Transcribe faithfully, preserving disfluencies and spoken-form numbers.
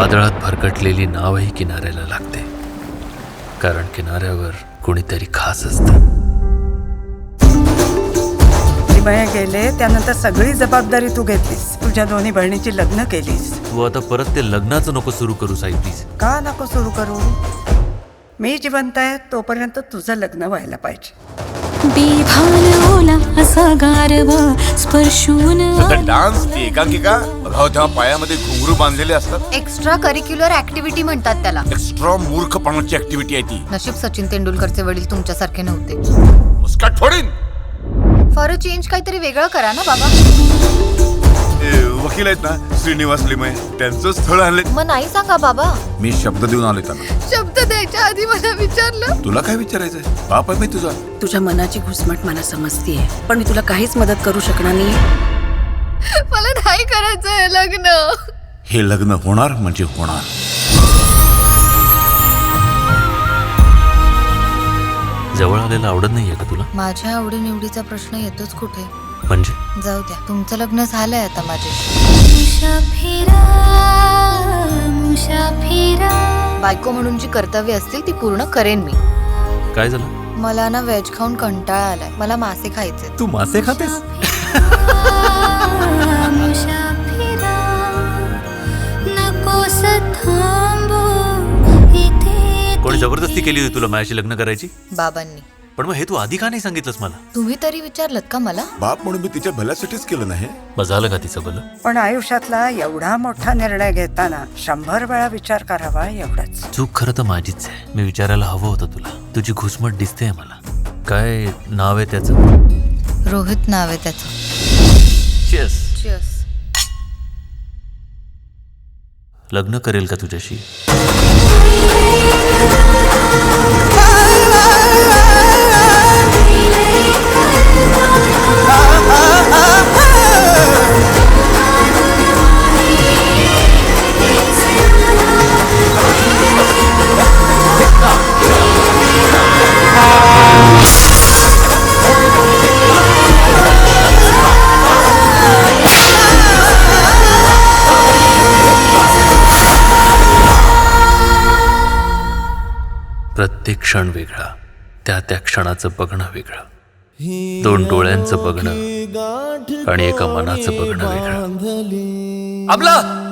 वादळात भरकटलेली नावही किनाऱ्याला लागते, कारण किनाऱ्यावर कोणीतरी खास असतं. निमया गेले त्यानंतर सगळी जबाबदारी तू घेतलीस. तुझ्या दोन्ही बहिणीची लग्न केलीस. तू आता परत ते लग्नाचं नको सुरू करू साई प्लीज. का नको सुरू करू? मी जिवंत आहे तोपर्यंत तुझं लग्न व्हायला पाहिजे. बेभान ओला असा गारवा स्पर्शून डान्स ती एकांकिका बघाव तेव्हा पायामध्ये घुंगरू बांधलेले असतात. एक्स्ट्रा करिक्युलर ऍक्टिव्हिटी म्हणतात त्याला. एक्स्ट्रा मूर्खपणाची ऍक्टिव्हिटी आहे ती. नशीब सचिन तेंडुलकरचे वडील तुमच्यासारखे नव्हते. मुस्काट फोडीन. फॉर अ चेंज काहीतरी वेगळं करा ना बाबा. ए, वकील आहेत ना श्रीनिवास लिमये, त्यांचं स्थळ आणले. मग नाही सांगा बाबा. मी शब्द देऊन आलोय त्यांना. शब्द द्यायच्या आधी मला विचारलं. तुला काय विचारायचंय? बाप आहे मी तुझा. तुझ्या मनाची घुसमट मला समजतीये, पण मी तुला काहीच मदत करू शकणार नाही. मला नाही करायचंय लग्न. हे लग्न होणार म्हणजे होणार. जवळ आलेलं आवडत नाहीये का तुला? माझ्या आवडीनिवडीचा प्रश्न येतोच कुठे. म्हणजे जाऊ द्या, तुमचं लग्न झालंय आता माझ्याशी. बायको म्हणून जी कर्तव्य असतील ती पूर्ण करेन मी. काय झालं? मला ना व्हेज खाऊन कंटाळा आलाय. मला मासे खायचे. तू मासे खातेस? कोणी जबरदस्ती केली होती तुला माझ्याशी लग्न करायची? बाबांनी. पण मग हे तू आधी का नाही सांगितलंस मला? तुम्ही तरी विचारलत का मला? बाप म्हणून मी तिच्या भल्यासाठीच केलं नाही. बस झालं का तिचं भलं? पण आयुष्यातला एवढा मोठा निर्णय घेताना शंभर वेळा विचार करावा एवढंच. चूक खरं तर माझीच आहे. मी विचारायला हवं होतं तुला. तुझी घुसमट दिसते मला. काय नाव आहे त्याचं? रोहित नाव आहे त्याचं. Cheers. Cheers. लग्न करेल का तुझ्याशी? प्रत्येक क्षण वेगळा, त्या त्या क्षणाचं बघणं वेगळं. दोन डोळ्यांचं बघणं आणि एका मनाचं बघणं वेगळं. अमला